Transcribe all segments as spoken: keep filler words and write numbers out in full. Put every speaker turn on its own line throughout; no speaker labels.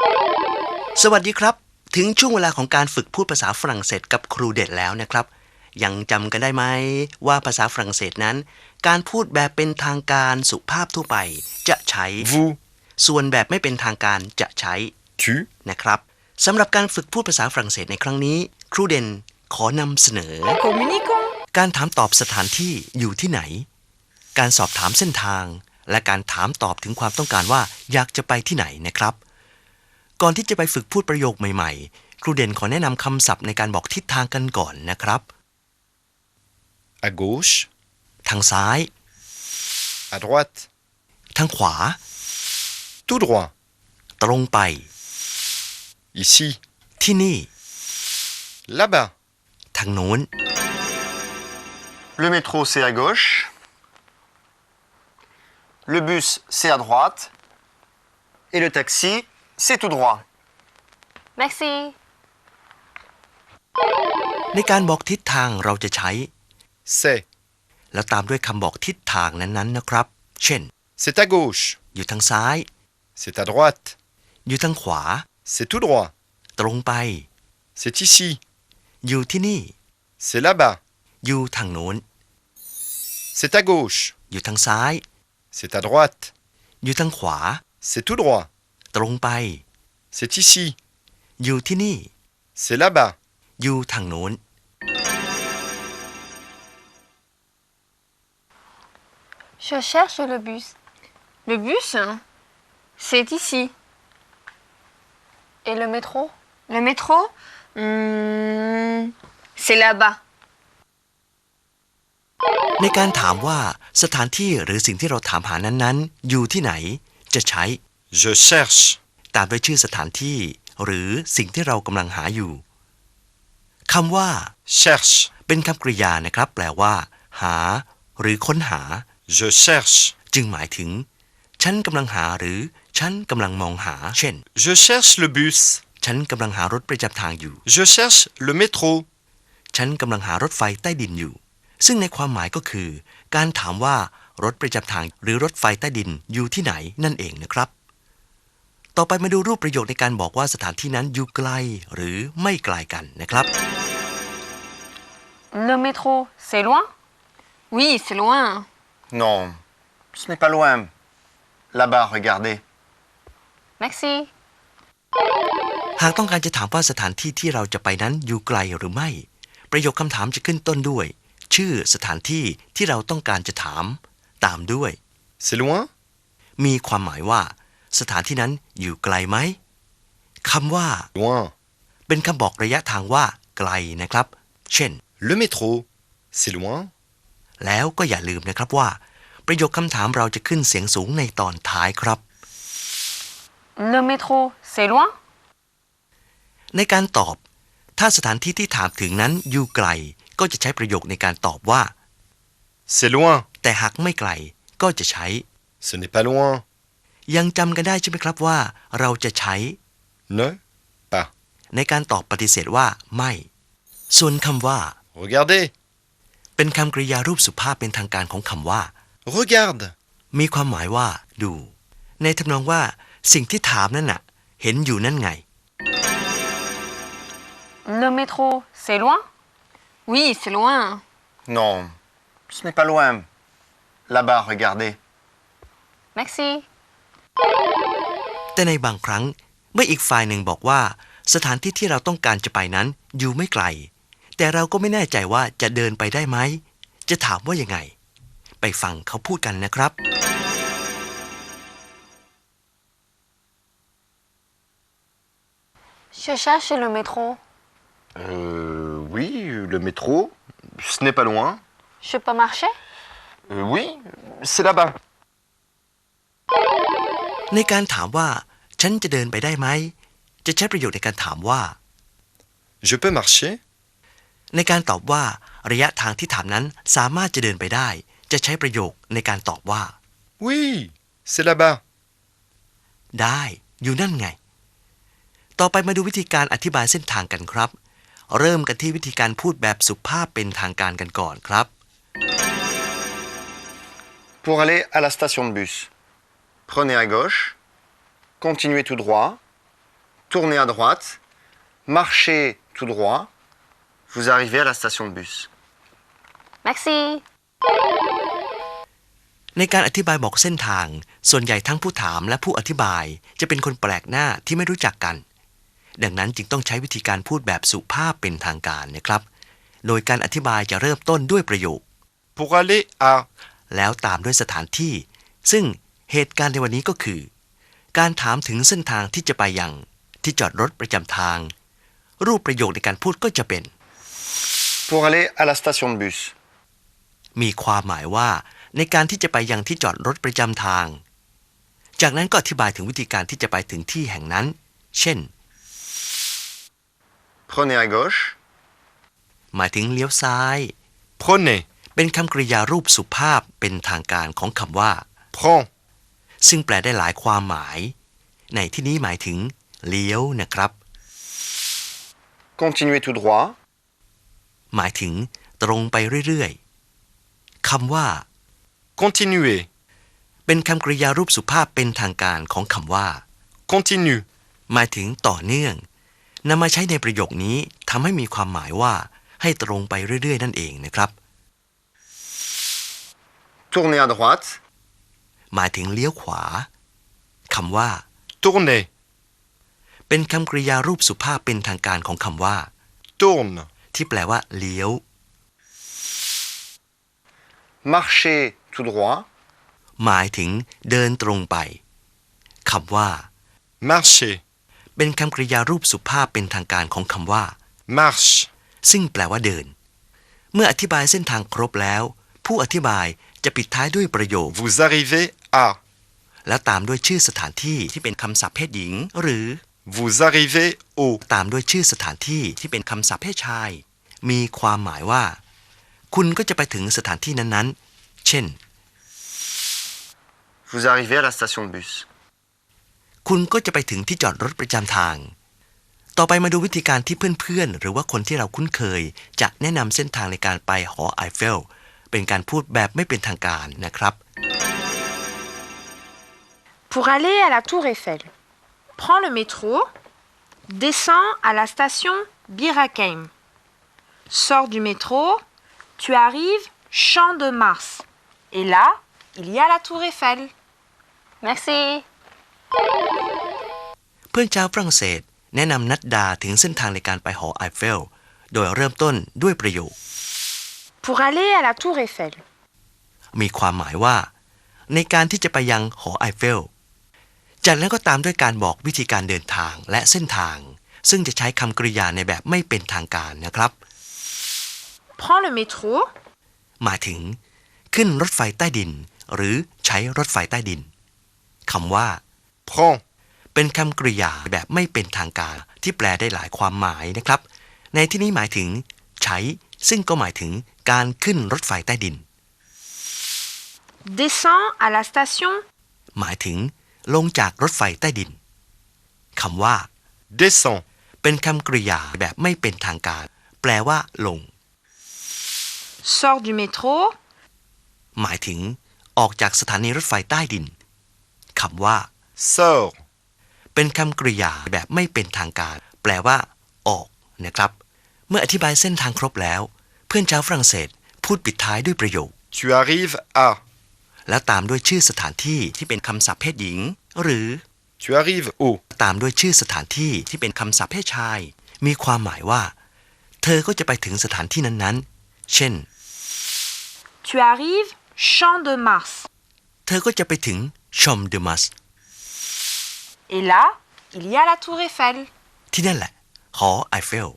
สวัสดีครับถึงช่วงเวลาของการฝึกพูดภาษาฝรั่งเศสกับครูเด็ดแล้วนะครับยังจำกันได้ไหมว่าภาษาฝรั่งเศสนั้นการพูดแบบเป็นทางการสุภาพทั่วไปจะใช้
vous
ส่วนแบบไม่เป็นทางการจะใช้
tu
นะครับสำหรับการฝึกพูดภาษาฝรั่งเศสในครั้งนี้ครูเด่นขอนำเสนอ
Communiquons
การถามตอบสถานที่อยู่ที่ไหนการสอบถามเส้นทางและการถามตอบถึงความต้องการว่าอยากจะไปที่ไหนนะครับก่อนที่จะไปฝึกพูดประโยคใหม่ๆครูเด่นขอแนะนำคำศัพท์ในการบอกทิศทางกันก่อนนะครับ
à gauche
ทางซ้าย
à droite
ทางขวา
tout droit
ตรงไป
ici
ที่นี่
là-bas
ทางโน้น
Le métro, c'est à gauche. Le bus, c'est à droite. Et le taxi, c'est tout droit.
Merci
ในการบอกทิศทางเราจะใช้
c'est
แล้วตามด้วยคำบอกทิศทางนั้นๆนะครับเช่น
c'est à gauche
อยู่ทางซ้าย
c'est à droite
อยู่ทางขวา
c'est tout droit
ตรงไป
c'est ici
อยู่ที่นี่
c'est là-bas
อยู่ทางโน้น
c'est à gauche
อยู่ทางซ้าย
c'est à droite
อยู่ทางขวา
c'est tout droit
ตรงไป
c'est ici
อยู่ที่นี่
c'est là-bas
อยู่ทางโน้น
Je cherche le bus. Le bus, c'est ici. Et le métro? Le métro, hmm, c'est là-bas.
ในการถามว่าสถานที่หรือสิ่งที่เราถามหานั้นๆอยู่ที่ไหนจะใช้
je cherche
ตามด้วยชื่อสถานที่หรือสิ่งที่เรากำลังหาอยู่คำว่า
cherche
เป็นคำกริยานะครับแปลว่า หา หรือค้นหา
je cherche
จึงหมายถึงฉันกำลังหาหรือฉันกำลังมองหาเช่น
je cherche le bus
ฉันกำลังหารถประจำทางอยู่
je cherche le métro
ฉันกำลังหารถไฟใต้ดินอยู่ซึ่งในความหมายก็คือการถามว่ารถประจำทางหรือรถไฟใต้ดินอยู่ที่ไหนนั่นเองนะครับต่อไปมาดูรูปประโยคในการบอกว่าสถานที่นั้นอยู่ไกลหรือไม่ไกลกันนะครับ
Le métro, c'est loin? Oui, c'est loin.
Non, ce n'est pas loin. Là-bas, regardez.
Merci.
หากต้องการจะถามว่าสถานที่ที่เราจะไปนั้นอยู่ไกลหรือไม่ประโยคคำถามจะขึ้นต้นด้วยชื่อสถานที่ที่เราต้องการจะถามตามด้วย
c'est loin
มีความหมายว่าสถานที่นั้นอยู่ไกลไหมคำว่า
loin
เป็นคำบอกระยะทางว่าไกลนะครับเช่น
le métro c'est loin
แล้วก็อย่าลืมนะครับว่าประโยคคำถามเราจะขึ้นเสียงสูงในตอนท้ายครับ
Le métro, c'est loin?
ในการตอบถ้าสถานที่ที่ถามถึงนั้นอยู่ไกลก็จะใช้ประโยคในการตอบว่า
c'est loin
แต่หากไม่ไกลก็จะใช้
ce n'est pas loin
ยังจำกันได้ใช่ไหมครับว่าเราจะใช้
ne pas
ในการตอบปฏิเสธว่าไม่ส่วนคำว่า
regardez
เป็นคำกริยารูปสุภาพเป็นทางการของคำว่า
regarde
มีความหมายว่าดูในทำนองว่าสิ่งที่ถามนั่นน่ะเห็นอยู่นั่นไง
Le métro, c'est loin? Oui, c'est loin.
Non, ce n'est pas loin. Là-bas, regardez.
Merci.
แต่ในบางครั้งเมื่ออีกฝ่ายหนึ่งบอกว่าสถานที่ที่เราต้องการจะไปนั้นอยู่ไม่ไกลแต่เราก็ไม่แน่ใจว่าจะเดินไปได้ไหมจะถามว่ายังไงไปฟังเขาพูดกันนะครับ
Je cherche le métro.
Euh, oui, le métro, ce n'est pas loin.
Je peux marcher?
Euh, oui, c'est là-bas.
ในการถามว่าฉันจะเดินไปได้ไหมจะใช้ประโยคในการถามว่า
je peux marcher
ในการตอบว่าระยะทางที่ถามนั้นสามารถจะเดินไปได้จะใช้ประโยคในการตอบว่า
oui c'est là-bas
ได้อยู่นั่นไงต่อไปมาดูวิธีการอธิบายเส้นทางกันครับเริ่มกันที่วิธีการพูดแบบสุภาพเป็นทางการกันก่อนครับ
Pour aller à la station de bus, prenez à gauche, continuez tout droit, tournez à droite, marchez tout droit, vous arrivez à la station de bus.
Merci.
ในการอธิบายบอกเส้นทาง ส่วนใหญ่ทั้งผู้ถามและผู้อธิบายจะเป็นคนแปลกหน้าที่ไม่รู้จักกัน ดังนั้นจึงต้องใช้วิธีการพูดแบบสุภาพเป็นทางการนะครับ โดยการอธิบายจะเริ่มต้นด้วยประโยค
Pour aller à.
แล้วตามด้วยสถานที่ ซึ่งเหตุการณ์ในวันนี้ก็คือ การถามถึงเส้นทางที่จะไปยังที่จอดรถประจำทาง รูปประโยคในการพูดก็จะเป็น
Pour aller à la station de bus.
มีความหมายว่าในการที่จะไปยังที่จอดรถประจำทาง จากนั้นก็อธิบายถึงวิธีการที่จะไปถึงที่แห่งนั้น เช่น
Prenez à gauche,
หมายถึงเลี้ยวซ้าย
Prenez.
เป็นคำกริยารูปสุภาพเป็นทางการของคำว่า
Prends.
ซึ่งแปลได้หลายความหมาย ในที่นี้หมายถึง เลี้ยวนะครับ
continuez tout droit,
หมายถึง ตรงไปเรื่อยๆคำว่า
Continuez.
เป็นคำกริยารูปสุภาพเป็นทางการของคำว่า
Continue.
หมายถึงต่อเนื่องนำมาใช้ในประโยคนี้ทำให้มีความหมายว่าให้ตรงไปเรื่อยๆนั่นเองนะครับ
tournez à droite,
หมายถึงเลี้ยวขวาคำว่า
Tournez.
เป็นคำกริยารูปสุภาพเป็นทางการของคำว่า
Tourne.
ที่แปลว่า เลี้ยว
marchez tout droit,
หมายถึง เดินตรงไปคำว่า
Marchez.
เป็นคำกริยารูปสุภาพเป็นทางการของคำว่า
Marche.
ซึ่งแปลว่าเดิน เมื่ออธิบายเส้นทางครบแล้ว ผู้อธิบายจะปิดท้ายด้วยประโยค
Vous arrivez à.
แล้วตามด้วยชื่อสถานที่ที่เป็นคำศัพท์เพศหญิง หรือ
Vous arrivez au.
ตามด้วยชื่อสถานที่ที่เป็นคำศัพท์เพศชาย มีความหมายว่า คุณก็จะไปถึงสถานที่นั้นๆ เช่น
vous arrivez à la station de bus.
คุณก็จะไปถึงที่จอดรถประจำทาง ต่อไปมาดูวิธีการที่เพื่อนๆ หรือว่าคนที่เราคุ้นเคย จะแนะนำเส้นทางในการไปหอไอเฟล เป็นการพูดแบบไม่เป็นทางการนะครับ
Pour aller à la tour Eiffel, prends le métro, descends à la station Bir Hakeim. Sors du métro, tu arrives Champ de Mars. Et là, il y a la tour Eiffel. Merci.
เพื่อนชาวฝรั่งเศสแนะนำนัดดาถึงเส้นทางในการไปหอไอเฟล โดยเริ่มต้นด้วยประโยค
Pour aller à la tour Eiffel.
มีความหมายว่า ในการที่จะไปยังหอไอเฟล จากนั้นก็ตามด้วยการบอกวิธีการเดินทางและเส้นทาง ซึ่งจะใช้คำกริยาในแบบไม่เป็นทางการนะครับ
Prends le métro,
หมายถึง ขึ้นรถไฟใต้ดิน หรือใช้รถไฟใต้ดินคำว่า
Prends.
เป็นคำกริยาแบบไม่เป็นทางการที่แปลได้หลายความหมายนะครับ ในที่นี้หมายถึง ใช้ ซึ่งก็หมายถึงการขึ้นรถไฟใต้ดิน
descends à la station,
หมายถึง ลงจากรถไฟใต้ดินคำว่า
Descends.
เป็นคำกริยาแบบไม่เป็นทางการ แปลว่า ลง
sors du métro,
หมายถึง ออกจากสถานีรถไฟใต้ดินคำว่า
Sors.
เป็นคำกริยาแบบไม่เป็นทางการ แปลว่า ออกนะครับ เมื่ออธิบายเส้นทางครบแล้ว เพื่อนชาวฝรั่งเศสพูดปิดท้ายด้วยประโยค
Tu arrives à.
แล้วตามด้วยชื่อสถานที่ที่เป็นคำศัพท์เพศหญิง หรือ
Tu arrives au.
ตามด้วยชื่อสถานที่ที่เป็นคำศัพท์เพศชาย มีความหมายว่า เธอก็จะไปถึงสถานที่นั้นๆ เช่น
tu arrives Champ de Mars.
เธอก็จะไปถึงชอมเดมัส
Et là, il y a la tour Eiffel.
ที่นั่นแหละ หอไอเฟล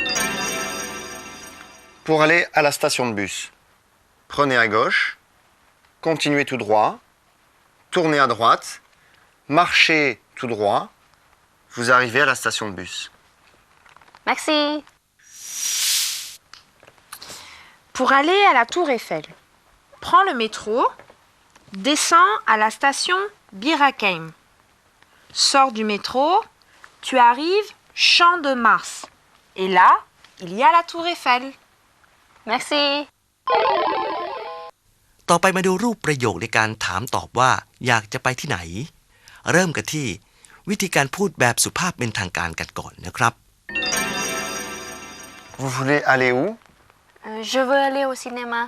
Pour aller à la station de bus, prenez à gauche, continuez tout droit, tournez à droite, marchez tout droit, vous arrivez à la station de bus.
Merci. Pour aller à la tour Eiffel, prends le métro, descends à la station Bir Hakeim. Sors du métro, tu arrives Champ de Mars. Et là, il y a la tour Eiffel. Merci.
ต่อไปมาดูรูปประโยคในการถามตอบว่า อยากจะไปที่ไหน เริ่มกันที่วิธีการพูดแบบสุภาพเป็นทางการกันก่อนนะครับ
Vous voulez aller où?
Euh, je veux aller au cinéma.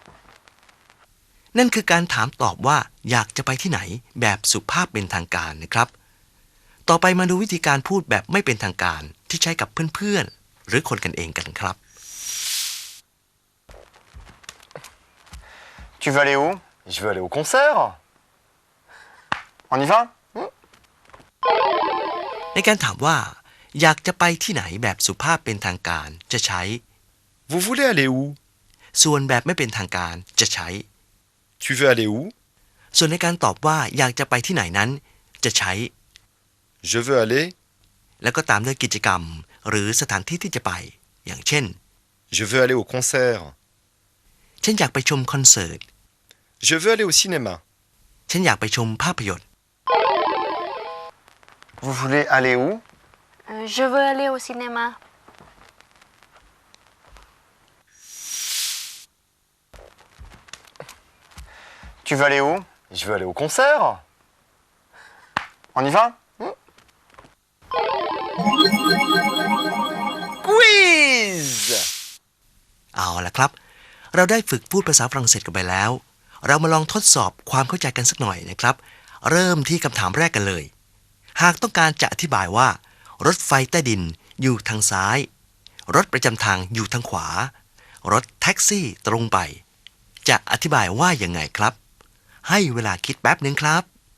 นั่นคือการถามตอบว่าอยากจะไปที่ไหนแบบสุภาพเป็นทางการนะครับ ต่อไปมาดูวิธีการพูดแบบไม่เป็นทางการที่ใช้กับเพื่อนๆหรือคนกันเองกันครับ
Tu veux aller où? Je veux aller au concert. On y va?
ในการถามว่าอยากจะไปที่ไหนแบบสุภาพเป็นทางการจะใช้
Vous voulez aller où?
ส่วนแบบไม่เป็นทางการจะใช้
Tu veux aller où?
ส่วนในการตอบว่าอยากจะไปที่ไหนนั้นจะใช้
Je veux aller.
แล้วก็ตามด้วยกิจกรรมหรือสถานที่ที่จะไป อย่างเช่น
Je veux aller au concert.
ฉันอยากไปชมคอนเสิร์ต
Je veux aller au cinéma.
ฉันอยากไปชมภาพยนตร์
Vous voulez aller où?
Euh, je veux aller au cinéma.
Tu veux aller où? Je veux aller au concert. On y va? Quiz!
เอาละครับ เราได้ฝึกพูดภาษาฝรั่งเศสกันไปแล้ว เรามาลองทดสอบความเข้าใจกันสักหน่อยนะครับ เริ่มที่คำถามแรกกันเลย หากต้องการจะอธิบายว่า รถไฟใต้ดินอยู่ทางซ้าย รถประจำทางอยู่ทางขวา รถแท็กซี่ตรงไป จะอธิบายว่าอย่างไงครับ ให้เวลาคิดแป๊บหนึ่งครับ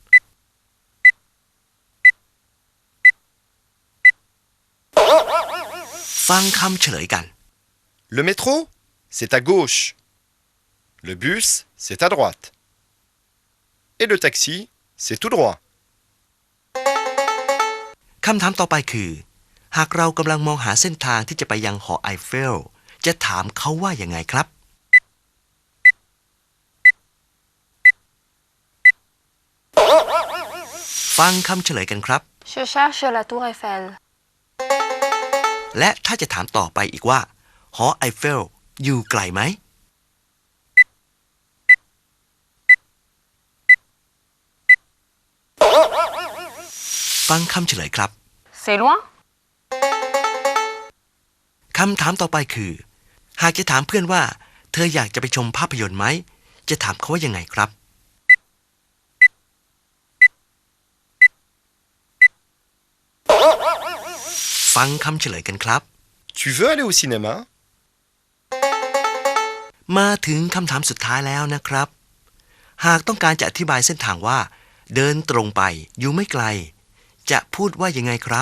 ฟังคำเฉลยกัน
Le métro, c'est à gauche. Le bus, c'est à droite. Et le taxi, c'est tout droit.
คำถามต่อไปคือ หากเรากำลังมองหาเส้นทางที่จะไปยังหอไอเฟล จะถามเขาว่าอย่างไงครับ ฟังคำเฉลยกันครับ
Je cherche la tour Eiffel.
และถ้าจะถามต่อไปอีกว่า หอไอเฟลอยู่ไกลไหม ฟังคำเฉลยครับ
C'est loin?
คำถามต่อไปคือ หากจะถามเพื่อนว่า เธออยากจะไปชมภาพยนตร์ไหม จะถามเขาว่ายังไงครับ ฟังคำเฉลยกันครับ
Tu veux aller au cinéma?
มาถึงคำถามสุดท้ายแล้วนะครับ หากต้องการจะอธิบายเส้นทางว่า เดินตรงไปอยู่ไม่ไกล จะพูดว่ายังไงครับ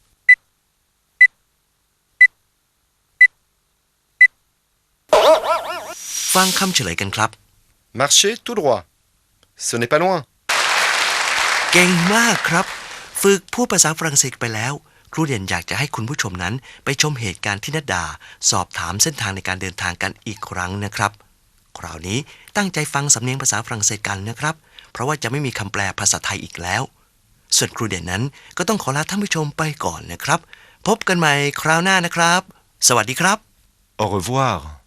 ฟังคำเฉลยกันครับ
Marchez tout droit. Ce n'est pas loin.
เก่งมากครับ ฝึกพูดภาษาฝรั่งเศสไปแล้ว ครูเด่นอยากจะให้คุณผู้ชมนั้นไปชมเหตุการณ์ที่นัดดา สอบถามเส้นทางในการเดินทางกันอีกครั้งนะครับ คราวนี้ตั้งใจฟังสำเนียงภาษาฝรั่งเศสกันนะครับ เพราะว่าจะไม่มีคำแปลภาษาไทยอีกแล้ว ส่วนครูเด่นนั้นก็ต้องขอลาท่านผู้ชมไปก่อนนะครับ พบกันใหม่คราวหน้านะครับ สวัสดีครับ
Au revoir.